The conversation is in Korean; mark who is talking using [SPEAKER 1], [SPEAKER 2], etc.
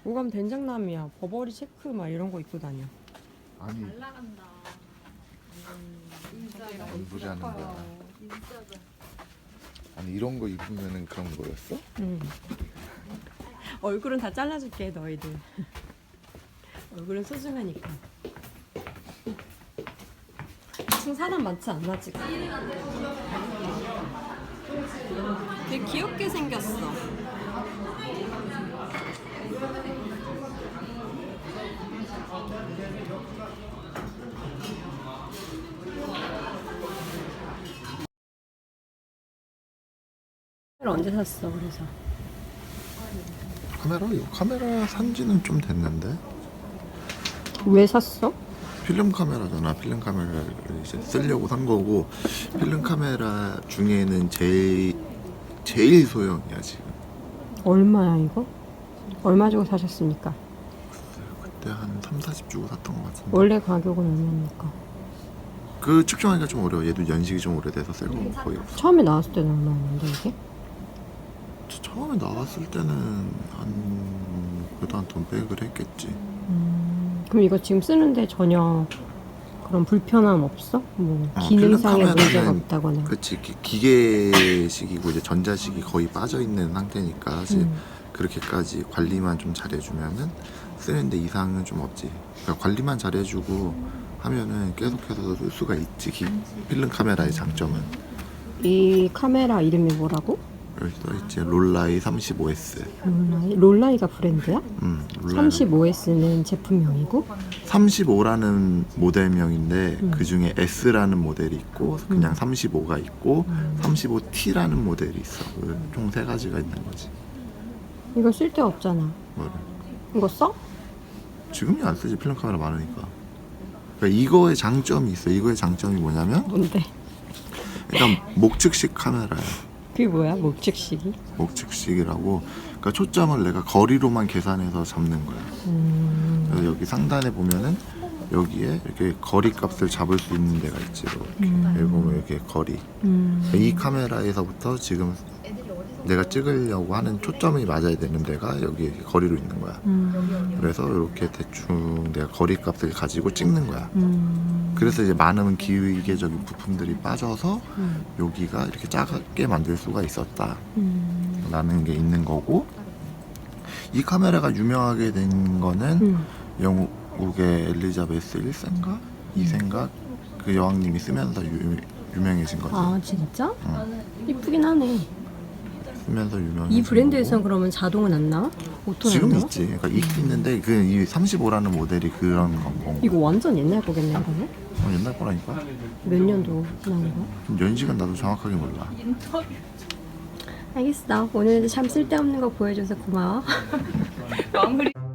[SPEAKER 1] 오감 된장남이야. 버버리 체크 막 이런 거 입고 다녀.
[SPEAKER 2] 아니
[SPEAKER 3] 잘 나간다. 인싸다.
[SPEAKER 2] 뭔 소리 하는 거야.
[SPEAKER 3] 인싸다.
[SPEAKER 2] 아니 이런 거 입으면은 그런 거였어?
[SPEAKER 1] 응. 얼굴은 다 잘라줄게 너희들. 얼굴은 소중하니까. 지금 사람 많지 않나 지금? 되게 귀엽게 생겼어. 언제 샀어? 그래서
[SPEAKER 2] 카메라? 이거 카메라 산지는 좀 됐는데
[SPEAKER 1] 왜 샀어?
[SPEAKER 2] 필름 카메라잖아. 필름 카메라를 이제 쓰려고 산 거고 필름 카메라 중에는 제일 소형이야 지금.
[SPEAKER 1] 얼마야 이거? 얼마 주고 사셨습니까?
[SPEAKER 2] 그때 한 3,40 주고 샀던 것 같은데.
[SPEAKER 1] 원래 가격은 얼마입니까?
[SPEAKER 2] 그 측정하기가 좀 어려워. 얘도 연식이 좀 오래돼서 새 거 거의 없어.
[SPEAKER 1] 처음에 나왔을 때는 얼마였는데 이게?
[SPEAKER 2] 처음에 나왔을 때는 그래도 한 돈 백을 했겠지.
[SPEAKER 1] 그럼 이거 지금 쓰는데 전혀 그런 불편함 없어? 뭐 기능상의
[SPEAKER 2] 필름
[SPEAKER 1] 문제가
[SPEAKER 2] 카메라는
[SPEAKER 1] 없다거나.
[SPEAKER 2] 그치 기계식이고 이제 전자식이 거의 빠져 있는 상태니까 사실 그렇게까지 관리만 좀 잘해주면은 쓰는데 이상은 좀 없지. 그러니까 관리만 잘해주고 하면은 계속해서 쓸 수가 있지. 필름 카메라의 장점은
[SPEAKER 1] 이 카메라 이름이 뭐라고?
[SPEAKER 2] 여기 써있지. 롤라이 35S.
[SPEAKER 1] 롤라이가 브랜드야?
[SPEAKER 2] 롤라이
[SPEAKER 1] 35S는 제품명이고
[SPEAKER 2] 35라는 모델명인데 그 중에 S라는 모델이 있고 그냥 35가 있고 35T라는 모델이 있어. 총 세 가지가 있는 거지.
[SPEAKER 1] 이거 쓸 데 없잖아.
[SPEAKER 2] 뭐를?
[SPEAKER 1] 이거 써?
[SPEAKER 2] 지금이 안 쓰지. 필름 카메라 많으니까. 그러니까 이거의 장점이 있어. 이거의 장점이 뭐냐면
[SPEAKER 1] 뭔데?
[SPEAKER 2] 일단 목측식 카메라야.
[SPEAKER 1] 그게 뭐야? 목측식이?
[SPEAKER 2] 목측식이라고. 그러니까 초점을 내가 거리로만 계산해서 잡는 거야. 그래서 여기 상단에 보면은 여기에 이렇게 거리 값을 잡을 수 있는 데가 있지. 이렇게 여기 보면 이렇게 거리. 이 카메라에서부터 지금 내가 찍으려고 하는 초점이 맞아야 되는 데가 여기 이렇게 거리로 있는 거야. 그래서 이렇게 대충 내가 거리 값을 가지고 찍는 거야. 그래서 이제 많은 기계적인 부품들이 빠져서 여기가 이렇게 작게 만들 수가 있었다 라는 게 있는 거고, 이 카메라가 유명하게 된 거는 영국의 엘리자베스 1세인가 2세인가 그 여왕님이 쓰면서 유명해진 거지.
[SPEAKER 1] 아 진짜? 이쁘긴 하네.
[SPEAKER 2] 쓰면서 유명해진
[SPEAKER 1] 이 브랜드에선
[SPEAKER 2] 거고.
[SPEAKER 1] 그러면 자동은 안 나와? 오토는
[SPEAKER 2] 지금
[SPEAKER 1] 안 나와?
[SPEAKER 2] 있지. 그러니까 있긴 있는데 그 이 35라는 모델이 그런 건
[SPEAKER 1] 이거 완전 옛날 거겠네 그러면?
[SPEAKER 2] 옛날 거라니까.
[SPEAKER 1] 몇 년도 나온 거야?
[SPEAKER 2] 좀 연식은 나도 정확하게 몰라.
[SPEAKER 1] 알겠어. 오늘도 참 쓸데없는 거 보여줘서 고마워.
[SPEAKER 3] 마무리.